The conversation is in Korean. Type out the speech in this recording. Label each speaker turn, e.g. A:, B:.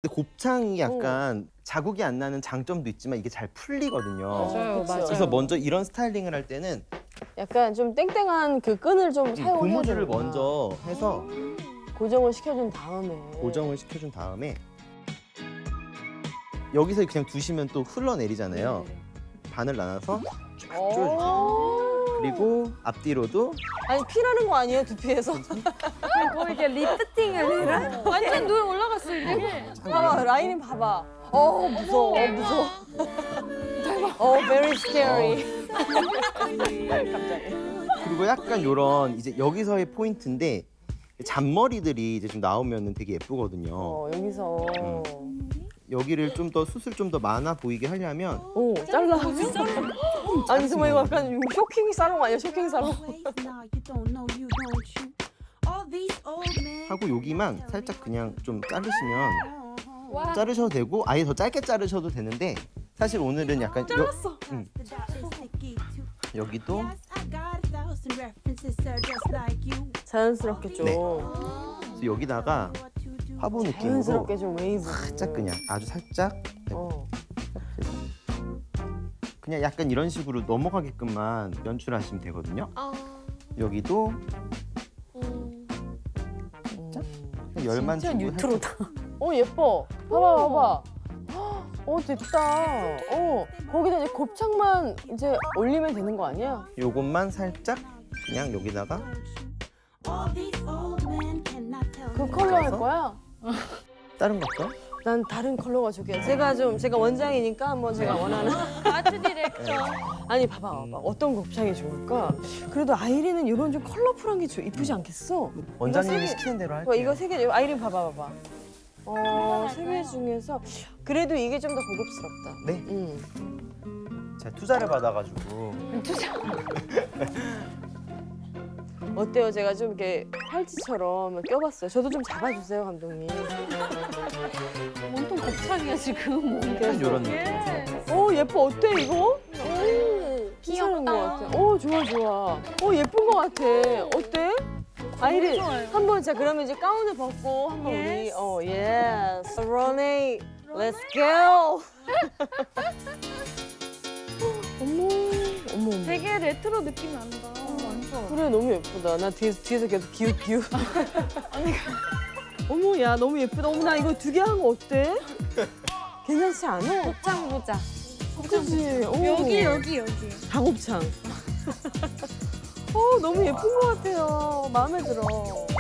A: 근데 곱창이 약간 자국이 안 나는 장점도 있지만 이게 잘 풀리거든요.
B: 맞아요, 맞아요.
A: 그래서 먼저 이런 스타일링을 할 때는
C: 약간 좀 땡땡한 그 끈을 좀 사용해야
A: 고무줄을
C: 되는구나.
A: 먼저 해서
C: 고정을 시켜준 다음에.
A: 고정을 시켜준 다음에 여기서 그냥 두시면 또 흘러내리잖아요. 반을 나눠서 쭉 조여주세요. 그리고 앞뒤로도
C: 아니 피라는 거 아니에요 두피에서?
B: 거의 이게 리프팅을 해라? 완전 눈 올라갔어 이게.
C: 봐봐 라인이 봐봐. 무서워 무서워. very scary. 갑자기.
A: 그리고 약간 요런 이제 여기서의 포인트인데 잔머리들이 이제 좀 나오면 되게 예쁘거든요.
C: 여기서.
A: 여기를 좀 더 숱을 좀 더 많아 보이게 하려면
C: 잘라. 아니 정말 이거 약간 쇼킹 살롱 아니야 쇼킹 살롱?
A: 하고 여기만 살짝 그냥 좀 자르시면 자르셔도 되고 아예 더 짧게 자르셔도 되는데 사실 오늘은 약간
C: 잘랐어.
A: 여기도
C: 자연스럽게 좀.
A: 네. 그래서 여기다가 화보 느낌으로
C: 자연스럽게 좀 웨이브.
A: 살짝 그냥 아주 살짝 그냥 약간 이런 식으로 넘어가게끔만 연출하시면 되거든요. 여기도 열만
C: 진짜
A: 주고
C: 뉴트로다. 예뻐. 봐봐. 됐다. 거기다 이제 곱창만 이제 올리면 되는 거 아니야?
A: 요것만 살짝 그냥 여기다가
C: 그 컬러 할 거야?
A: 다른 거 할까요?
C: 난 다른 컬러가 좋게. 제가 원장이니까 한번 제가 원하는.
B: 아트 디렉터.
C: 아니 봐봐. 어떤 곱창이 좋을까? 그래도 아이린은 이런 좀 컬러풀한 게 이쁘지 않겠어?
A: 원장님이 시키는 대로 할게요.
C: 이거 세 개, 아이린 봐봐. 세 개 중에서 그래도 이게 좀 더 고급스럽다.
A: 네. 제가 투자를 받아가지고.
C: 어때요? 제가 좀 이렇게 팔찌처럼 껴봤어요. 저도 좀 잡아주세요, 감독님.
B: 온통 곱창이야 지금.
A: 약간 요런 느낌.
C: 예뻐. 어때 이거? 괜찮은 것 같아. 좋아. 예쁜 것 같아. 어때? 아이린, 한번 자 그러면 이제 가운을 벗고 한번 우리 예스. 러니, let's go. 어머.
B: 되게 레트로 느낌 난다. 완전.
C: 그래 너무 예쁘다. 나 뒤에서 계속 기웃. 어머 야 너무 예쁘다. 어머 나 이거 2개 한 거 어때? 괜찮지 않아?
B: 곱창 보자.
C: 그치?
B: 여기.
C: 닭곱창. 너무 예쁜 것 같아요. 마음에 들어.